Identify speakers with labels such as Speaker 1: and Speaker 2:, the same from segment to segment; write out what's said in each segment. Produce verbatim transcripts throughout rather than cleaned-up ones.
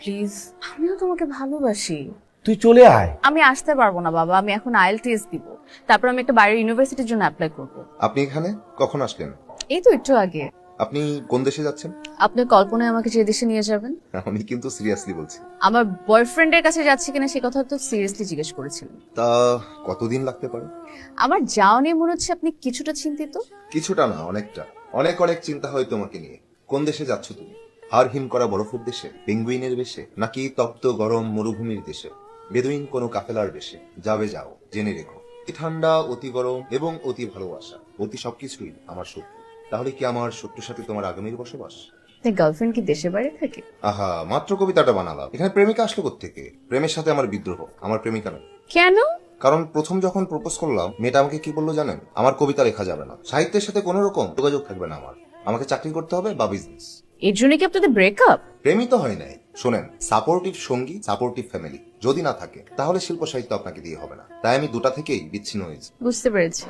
Speaker 1: Please, আমিও তোমাকে ভালোবাসি।
Speaker 2: তুই চলে আয়।
Speaker 1: আমি আসতে পারবো না বাবা, আমি এখন আইএলটিএস দিব, তারপর আমি একটা বাইরের ইউনিভার্সিটির জন্য অ্যাপ্লাই করব।
Speaker 3: আপনি এখানে কখন আসলেন?
Speaker 1: এই তো একটু আগে।
Speaker 3: আপনি কোন দেশে যাচ্ছেন?
Speaker 1: আপনি কল্পনায় আমাকে যে দেশে নিয়ে যাবেন।
Speaker 3: আমি কিন্তু সিরিয়াসলি বলছি।
Speaker 1: আমার বয়ফ্রেন্ডের কাছে যাচ্ছি কিনা সে কথা তো সিরিয়াসলি জিজ্ঞেস করেছিলেন।
Speaker 3: তা কতদিন লাগতে পারে?
Speaker 1: আমার যাওয়া নিয়ে মনে হচ্ছে আপনি কিছুটা চিন্তিত।
Speaker 3: কিছুটা না, অনেকটা। অনেক অনেক চিন্তা হয় তোমাকে নিয়ে। কোন দেশে যাচ্ছ তুমি? হাড় হিম করা বরফের দেশে, পেঙ্গুইনের বেশে, নাকি তপ্ত গরম মরুভূমির দেশে, বেদুইন কোনো কাফেলার বেশে? যাবে যাও, জেনে রেখো, অতি ঠান্ডা, অতি গরম এবং অতি ভালোবাসা, অতি সবকিছুই আমার শত্রু। তাহলে কি আমার শত্রুর সাথে তোমার আগামীর বসবাস?
Speaker 1: গার্লফ্রেন্ড কি দেশে বাইরে থাকে?
Speaker 3: আহা, মাত্র কবিতাটা বানালাম। এখানে প্রেমিকা আসলো কোত্থেকে? প্রেমের সাথে আমার বিদ্রোহ, আমার প্রেমিকা নয়।
Speaker 1: কেন?
Speaker 3: কারণ প্রথম যখন প্রপোজ করলাম, মেয়েটা আমাকে কি বললো জানেন? আমার কবিতা লেখা যাবে না, সাহিত্যের সাথে কোনো রকম যোগাযোগ থাকবে না আমার, আমাকে চাকরি করতে হবে বা বিজনেস।
Speaker 1: এর জন্য কি আপনাদের ব্রেকআপ?
Speaker 3: প্রেমই তো হয় নাই। শোনেন, সাপোর্টিভ সঙ্গী, সাপোর্টিভ ফ্যামিলি যদি না থাকে তাহলে শিল্প সাহিত্য আপনাকে দিয়ে হবে না। তাই আমি দুটা থেকেই বিচ্ছিন্ন হয়েছি।
Speaker 1: বুঝতে পেরেছি।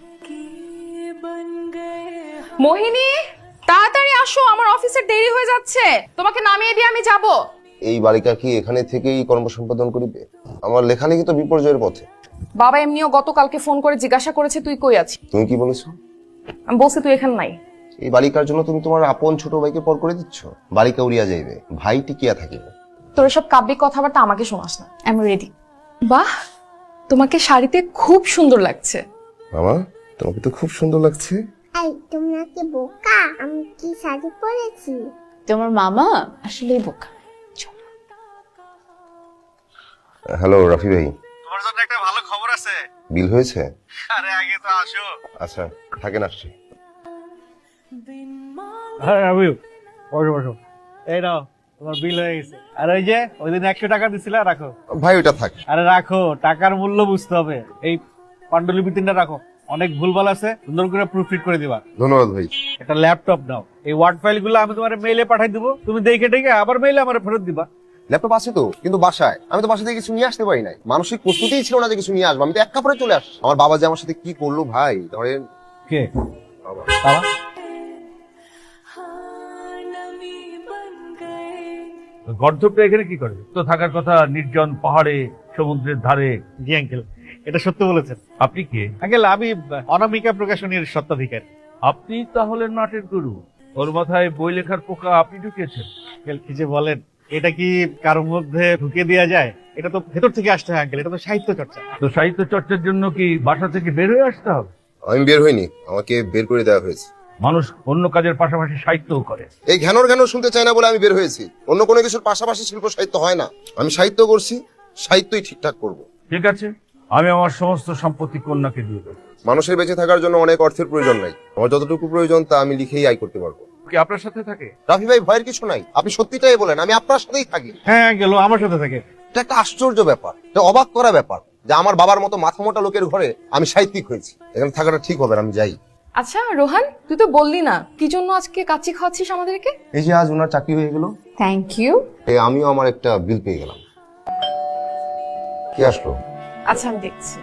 Speaker 4: মোহিনী, তাড়াতাড়ি আসো, আমার অফিসের দেরি হয়ে যাচ্ছে। তোমাকে নামিয়ে দিয়ে আমি যাব।
Speaker 5: এই বালিকা কি এখানে থেকেই কর্ম সম্পাদন করিবে? আমার লেখালেখি তো বিপর্যয়ের পথে।
Speaker 4: বাবা এমনিও গতকালকে ফোন করে জিজ্ঞাসা করেছে তুই কই আছিস।
Speaker 5: তুমি কি বলেছো?
Speaker 4: আমি বলছি তুই এখানে নাই।
Speaker 5: এই বালিকার জন্য তুমি তোমার আপন ছোট ভাইকে পর করে দিচ্ছ? বালিকা উড়িয়া যাইবে, ভাই টিকিয়া থাকিবে।
Speaker 4: তোর সব কাব্যিক কথাবার্তা আমাকে শোনাস না।
Speaker 1: I am ready.
Speaker 4: বাহ, তোমাকে শাড়িতে খুব সুন্দর লাগছে।
Speaker 5: মামা, তোমাকে তো খুব সুন্দর লাগছে।
Speaker 6: এই তোমরা কি বোকা? আমি কি শাড়ি পরেছি?
Speaker 1: তোমার মামা আসলেই বোকা।
Speaker 5: হ্যালো রাফি ভাই,
Speaker 2: তোমার জন্য একটা ভালো খবর আছে।
Speaker 5: বিল হয়েছে?
Speaker 2: আরে আগে তো আসো।
Speaker 5: আচ্ছা থাকেন, আসছি।
Speaker 7: হ্যাঁ আমি বসো বসো। এই নাও তোমার বিল হয়ে গেছে। আর ওই যে ওই দিন একশো টাকা দিছিলে, রাখো।
Speaker 5: ভাই ওটা থাক।
Speaker 7: আরে রাখো, টাকার মূল্য বুঝতে হবে। এই পাণ্ডুলিপি তিনটা রাখো, অনেক ভুলভাল আছে, সুন্দর করে প্রুফরিড করে দিবা।
Speaker 5: ধন্যবাদ ভাই।
Speaker 7: একটা ল্যাপটপ নাও, এই ওয়ার্ড ফাইল গুলো আমি তোমার মেইলে পাঠাই দিবো, তুমি দেখে দেখে আবার মেইলে আমার ফেরত দিবা।
Speaker 5: ল্যাপটপ আছে তো, কিন্তু বাসায়। আমি তো বাসা থেকে কিছু নিয়ে আসতে পারি নাই, মানসিক প্রস্তুতিই ছিল না যে কিছু নিয়ে আসবো। আমি তো এক কাপড়ে চলে আসছি। আমার বাবা যে আমার সাথে কি করলো ভাই, ধরেন।
Speaker 7: কে
Speaker 5: বাবা।
Speaker 7: বাবা? গর্ধপটা এখানে কি করে? তো থাকার কথা নির্জন পাহাড়ে, সমুদ্রের ধারে। জি আঙ্কেল, এটা সত্য বলেছেন। আপনি কে? আঙ্কেল আমি অনামিকা প্রকাশনীর স্বত্বাধিকারী। আপনি তাহলে নাটের গুরু। ওর মাথায় বই লেখার পোকা আপনি ঢুকিয়েছেন। আঙ্কেল কি যে বলেন, এটা কি কারোর মধ্যে ঢুকে দেওয়া যায়? এটা তো ভেতর থেকে আসতে হয় আঙ্কেল, এটা তো সাহিত্য চর্চা। তো সাহিত্য চর্চার জন্য কি বাসা থেকে বের হয়ে আসতে হবে?
Speaker 5: আমি বের হইনি, আমাকে বের করে দেওয়া হয়েছে।
Speaker 7: মানুষ অন্য কাজের পাশাপাশি সাহিত্যও করে।
Speaker 5: এই ঘ্যানোর ঘ্যানোর শুনতে চাই না বলে আমি বের হয়েছি। অন্য কোনো কিছুর পাশাপাশি শিল্প সাহিত্য হয় না। আমি সাহিত্য করছি, সাহিত্যই ঠিকঠাক করব।
Speaker 7: ঠিক আছে, আমি আমার সমস্ত সম্পত্তি কন্যাকে দিয়ে দেবো।
Speaker 5: মানুষের বেঁচে থাকার জন্য অনেক অর্থের প্রয়োজন নাই, আমার যতটুকু প্রয়োজন তা আমি লিখেই আয় করতে পারবো।
Speaker 7: কি আপনার সাথে থাকে?
Speaker 5: রাফি ভাই, ভয়ের কিছু নাই, আপনি সত্যিটাই বলেন, আমি আপনার সাথেই থাকি।
Speaker 7: হ্যাঁ গেল, আমার সাথে থাকে।
Speaker 5: এটা একটা আশ্চর্য ব্যাপার, এটা অবাক করা ব্যাপার যে আমার বাবার মতো মাথা মোটা লোকের ঘরে আমি সাহিত্যিক হয়েছি। এখানে থাকাটা ঠিক হবে না, আমি যাই।
Speaker 4: আচ্ছা রোহান, তুই তো বললি না কি জন্য আজকে কাচ্চি খাওয়াচ্ছিস আমাদেরকে।
Speaker 5: এই যে আজ ওনার চাকরি হয়ে গেল,
Speaker 1: থ্যাংক ইউ।
Speaker 5: এই আমিও আমার একটা বিল পেয়ে গেলাম। কি আসলো?
Speaker 4: আচ্ছা আমি দেখছি।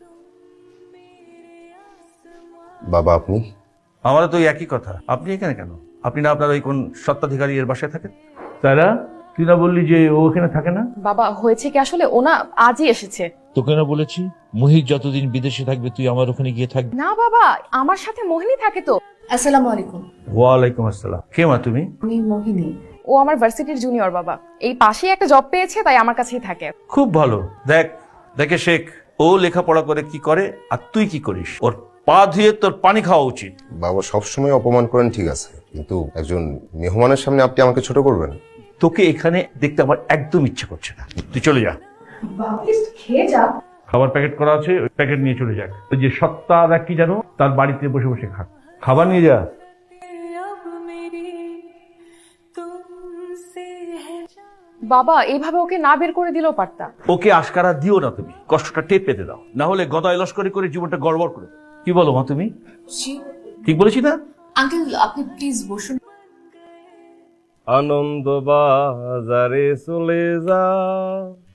Speaker 5: বাবা আপনি?
Speaker 8: আমারও তো একই কথা। আপনি এখানে কেন? আপনি না আপনার ওই কোন সত্ত্বাধিকারী এর বাসায় থাকেন? তারা তুই না বললি যে ও এখানে থাকে না?
Speaker 4: বাবা হয়েছে কি আসলে, ও না আজই এসেছে।
Speaker 9: তোকে না বলেছি মুহিত যতদিন বিদেশে থাকবে তুই আমার ওখানে গিয়ে থাকবি?
Speaker 4: না বাবা, আমার সাথে মোহিনী থাকে তো।
Speaker 1: আসসালামু আলাইকুম।
Speaker 8: ওয়ালাইকুম আসসালাম। কে মা তুমি?
Speaker 1: আমি মোহিনী।
Speaker 4: ও আমার ভার্সিটির জুনিয়র বাবা, এই পাশেই একটা জব পেয়েছে তাই আমার কাছেই থাকে।
Speaker 8: খুব ভালো। দেখ দেখে শেখ, ও লেখাপড়া করে কি করে আর তুই কি করিস। ওর পা ধুয়ে তোর পানি খাওয়া উচিত।
Speaker 5: বাবা সবসময় অপমান করেন ঠিক আছে, কিন্তু একজন মেহমানের সামনে আপনি আমাকে ছোট করবেন?
Speaker 8: তোকে এখানে দেখতে আমার একদম ইচ্ছে করছে না, তুই চলে যা।
Speaker 4: খেয়ে যা।
Speaker 8: খাবার প্যাকেট করা আছে, ওই প্যাকেট নিয়ে চলে যাক। ওই যে সত্তা দেখ কি জানো, তার বাড়িতে বসে বসে খা, খাবার নিয়ে যা।
Speaker 4: বাবা এইভাবে ওকে না বের করে দিলেও পারতা।
Speaker 8: ওকে আশকারা দিও না, তুমি কষ্টটা টেপ পেতে দাও, না হলে গদায় লস্করি করে জীবনটা গড়বড় করে দেবে। কি বলো মা তুমি? ঠিক বলেছি না?
Speaker 1: আঙ্কেল আপনি প্লিজ বসুন।
Speaker 7: আনন্দ বাজারে চলে যা,